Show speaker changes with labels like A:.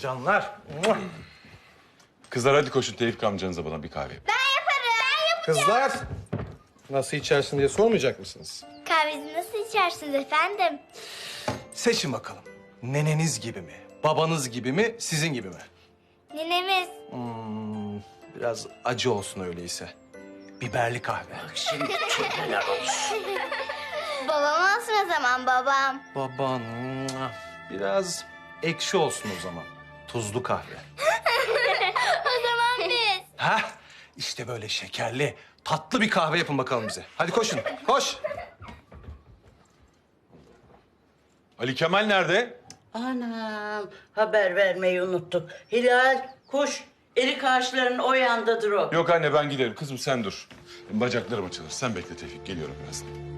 A: Canlar.
B: Kızlar hadi koşun Tevfik amcanıza bana bir kahve.
A: Kızlar. Nasıl içersin diye sormayacak mısınız?
C: Kahvenizi nasıl içersiniz efendim?
A: Seçin bakalım. Neneniz gibi mi? Babanız gibi mi? Sizin gibi mi?
C: Ninemiz.
A: Biraz acı olsun öyleyse. Biberli kahve.
C: Babam olsun o zaman babam.
A: Baban. Biraz ekşi olsun o zaman. Tuzlu kahve.
C: O zaman biz.
A: Hah, işte böyle şekerli, tatlı bir kahve yapın bakalım bize. Hadi koşun, koş.
B: Ali Kemal nerede?
D: Anam, haber vermeyi unuttuk. Hilal, kuş, erik ağaçlarının o yandadır o.
B: Yok anne ben giderim. Kızım sen dur. Bacaklarım açılır. Sen bekle Tevfik. Geliyorum birazdan.